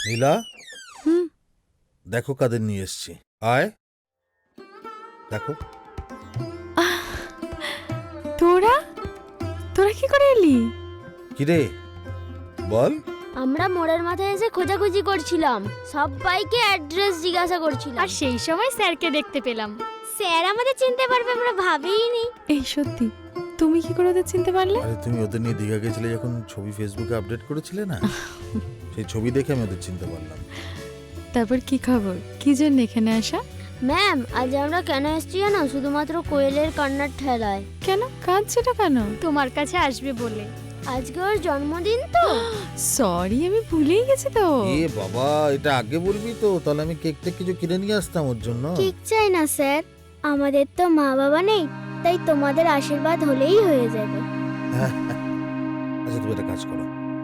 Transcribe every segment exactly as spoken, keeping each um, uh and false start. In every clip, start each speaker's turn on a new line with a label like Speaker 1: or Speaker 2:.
Speaker 1: নীলা,
Speaker 2: হুম
Speaker 1: দেখো কাদের নিয়ে এসছি। আয় দেখো।
Speaker 2: তোরা তোরা কি করে এলি?
Speaker 1: কিরে বল।
Speaker 3: আমরা মোড়ের মাথায় এসে খোঁজাখুঁজি করছিলাম, সবাইকে অ্যাড্রেস জিজ্ঞাসা করছিলাম।
Speaker 4: আর সেই সময় স্যারকে দেখতে পেলাম।
Speaker 3: স্যার আমাদের চিনতে পারবে আমরা ভাবিনি।
Speaker 2: এই সত্যি তুমি কি করে ওদের চিনতে পারলে?
Speaker 1: আরে তুমি ওদের নিয়ে দীঘা গেছিলে যখন ছবি ফেসবুকে আপডেট করেছিলে না, সেই ছবি দেখে আমি ওদের চিনতে পারলাম।
Speaker 2: তারপর কি খবর, কি জন্য এখানে আসা?
Speaker 3: ম্যাম আজ আমরা কেন এসেছি জানো? শুধুমাত্র কোয়েলের কান্নার ঠেলায়।
Speaker 2: কেন কাঁদছেটা কেন?
Speaker 4: তোমার কাছে আসবে বলে।
Speaker 3: আজকে ওর জন্মদিন তো।
Speaker 2: সরি আমি ভুলেই গেছি তো।
Speaker 1: এ বাবা, এটা আগে বলবি তো, তাহলে আমি কেকটা কিছু কিনে নিয়ে আসতাম ওর জন্য।
Speaker 3: ঠিক চাই না স্যার, আমাদের তো মা বাবা নেই, তাই তোমাদের আশীর্বাদ হলেই হয়ে যাবে।
Speaker 1: আচ্ছা তুমি একটা কাজ করো,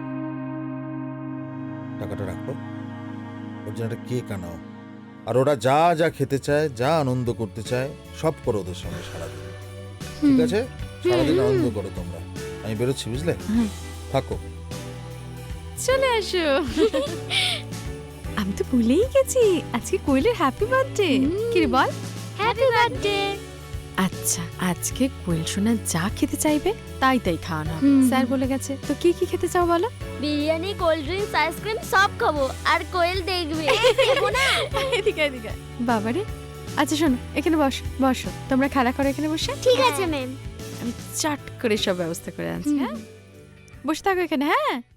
Speaker 1: টাকাটা রাখো, ওর জন্য একটা কেক আনাও, আর ওরা যা যা খেতে চায়, যা আনন্দ করতে চায় সব করো ওদের সঙ্গে সারাদিন। ঠিক আছে? সারাদিন আনন্দ করো তোমরা। আমি বেরোচ্ছি, বুঝলে?
Speaker 2: হুম।
Speaker 1: থাকো।
Speaker 2: চলে আসো। আমি তো ভুলেই গেছি আজকে কোয়েলের হ্যাপি বার্থডে। কি রে বল?
Speaker 3: Happy birthday.
Speaker 2: আচ্ছা আজকে কোয়েল সোনা যা খেতে চাইবে তাই তাই খাওয়ানো হবে।
Speaker 4: হুম।
Speaker 2: স্যার বলে গেছে। তো কি কি খেতে চাও বলো?
Speaker 3: বিরিয়ানি, কোল্ড ড্রিঙ্কস, আইসক্রিম সব খাবো, আর কোয়েল দেখবে। দেবো না?
Speaker 2: এদিকে এদিকে বাবারে। আচ্ছা শোনো, এখানে বসো বসো, তোমরা খেলা করো এখানে বসে।
Speaker 3: ঠিক আছে ম্যাম।
Speaker 2: আমি চট করে সব ব্যবস্থা করে আনছি। হ্যাঁ বসে থাকো এখানে। হ্যাঁ